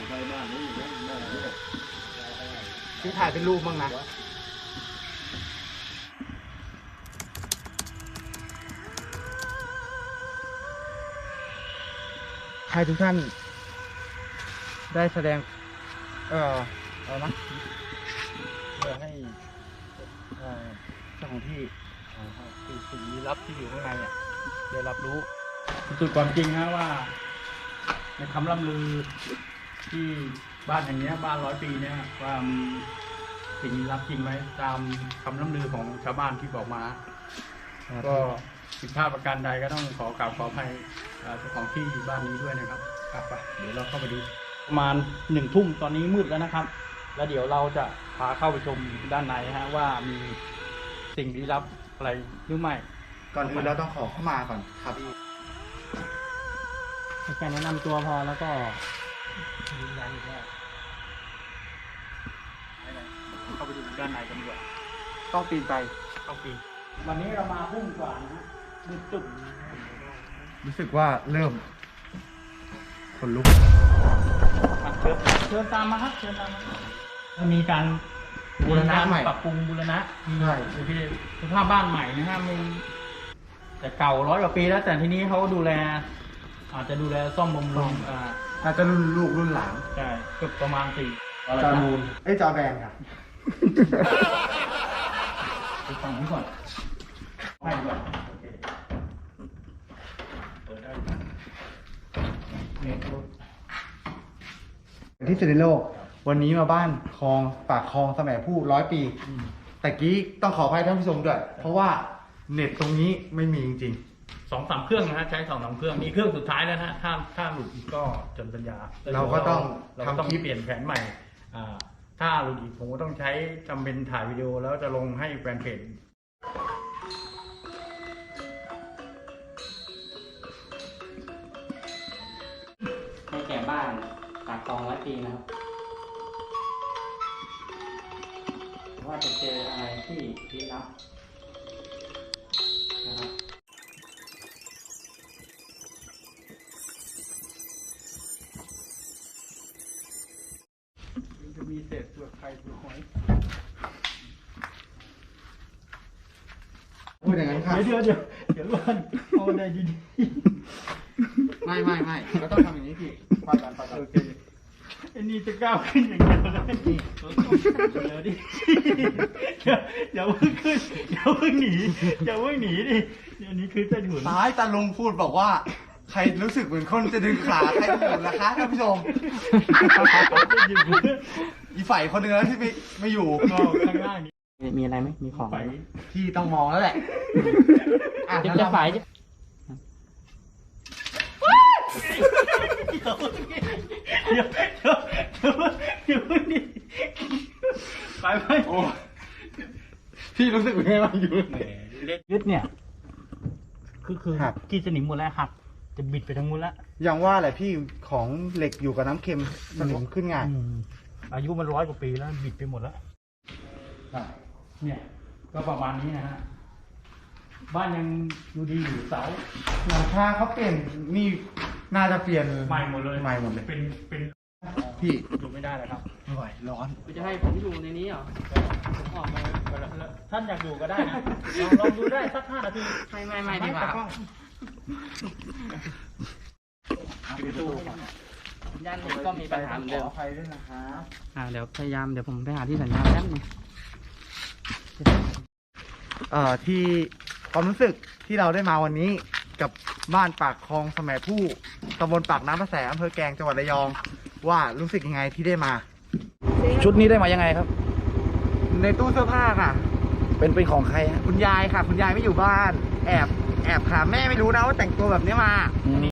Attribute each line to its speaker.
Speaker 1: พี่ถ่ายเป็นรูปบ้างนะให้ทุกท่านได้แสดงอะไรนะเพื่อให้เจ้าของที่คือสิ่งลี้ลับที่อยู่ข้างในเนี่ยได้รับรู้สุดความจริงนะว่าในคำล่ำลือที่บ้านอย่างเงี้ยบ้าน100 ปีเนี่ยว่ามีสิ่งลี้ลับจริงไหมตามคำล่ำลือของชาวบ้านที่บอกมาก็ผิดพลาดประการใดก็ต้องขอกราบขออภัยเจ้าของที่บ้านนี้ด้วยนะครับกลับไปเดี๋ยวเราเข้าไปดูประมาณ1 ทุ่มตอนนี้มืดแล้วนะครับแล้วเดี๋ยวเราจะพาเข้าไปชมด้านในฮะว่ามีสิ่งลี้ลับอะไรหรือไม่ก่อนอื่นเราต้องขอเข้ามาก่อนครับแค่แนะนำตัวพอแล้วก็ยืนยันอีกแล้วเข้าไปดูด้านในกันดีกว่าต้องปีนไปต้องปีนวันนี้เรามาพุ่งกว่านะฮะมืดจุ่มรู้สึกว่าเริ่มคนลุกเชิญตามมาครับเชิญตามมามีการบูรณะใหม่ปรับปรุงบูรณะใช่สภาพบ้านใหม่นะฮะมันแต่เก่า100 กว่าปีแล้วแต่ทีนี้เขาดูแลอาจจะดูแลซ่อมบำรุงอาจจะรุ่นลูกรุ่นหลานใช่ก็ประมาณ4จอนูนจอแบนครับไปฟังนี้ก่อนให้ก่อนโอเคเปิดได้ที่สุดในโลกวันนี้มาบ้านคลองปากคลองสมัยผู้100 ปีแต่กี้ต้องขออภัยท่านผู้ชมด้วยเพราะว่าเน็ตตรงนี้ไม่มีจริง2-3 เครื่องนะฮะใช้2-3 เครื่องมีเครื่องสุดท้ายแล้วนะถ้าหลุดอีกก็จนปัญญาเราก็ต้องเปลี่ยนแผนใหม่ถ้าหลุดอีกผมก็ต้องใช้จำเป็นถ่ายวิดีโอแล้วจะลงให้แฟนเพจให้แก่บ้านปากคลอง100 ปีนะครับว่าจะเจออะไรที่ลี้ลับนะครับจะมีเศษเปลือกไข่เปลือกหอยพูดอย่างนั้นค่ะเดี๋ยวก่อนเอาได้ดีๆไม่เราต้องทำอย่างนี้พี่ฟังกันโอเคไอ้นี่จะก้าวขึ้นอย่างเดียวเลยเดี๋ยวดิอย่าเพิ่งขึ้นอย่าเพิ่งหนีดิอันนี้คือจะถุนท้ายตาลุงพูดบอกว่าใครรู้สึกเหมือนคนจะดึงขาใครอยู่นะคะท่านผู้ชมอีฝ่ายคนหนึ่งแล้วที่ไม่อยู่ข้างล่างนี้มีอะไรไหมมีของที่ต้องมองแล้วแหละจะฝ่ายเดี๋ยวนี่ไปโอ้พี่รู้สึกยังไงบ้างอยู่ยึดเนี่ยคือกีสนิมหมดแล้วหักจะบิดไปทั้งหมดแล้วอย่างว่าแหละพี่ของเหล็กอยู่กับน้ำเค็มสนิมขึ้นง่ายอายุมัน100 กว่าปีแล้วบิดไปหมดแล้วเนี่ยก็ประมาณนี้นะฮะบ้านยังดูดีอยู่เสาหลังคาเขาเปลี่ยนนี่น่าจะเปลี่ยนใหม่หมดเลยเป็นพี่อยู่ไม่ได้เลยครับไม่ไหวร้อนจะให้ผมอยู่ในนี้เหรอผมออกมาท่านอยากอยู่ก็ได้นะลองดูได้สัก5 นาทีไม่ดีกว่าตู้ย่านนี้ก็มีปัญหาเหมือนเดิมขออภัยด้วยนะครับเดี๋ยวผมไปหาที่สัญญาณแป๊บนึงที่ความรู้สึกที่เราได้มาวันนี้กับบ้านปากคลองสมัยผู้ตำบลปากน้ำประแสอำเภอแกลงจังหวัดระยองว่ารู้สึกยังไงที่ได้มาชุดนี้ได้มายังไงครับในตู้เสื้อผ้าค่ะเป็นของใครฮะคุณยายค่ะคุณยายไม่อยู่บ้านแอบค่ะแม่ไม่รู้นะว่าแต่งตัวแบบนี้มา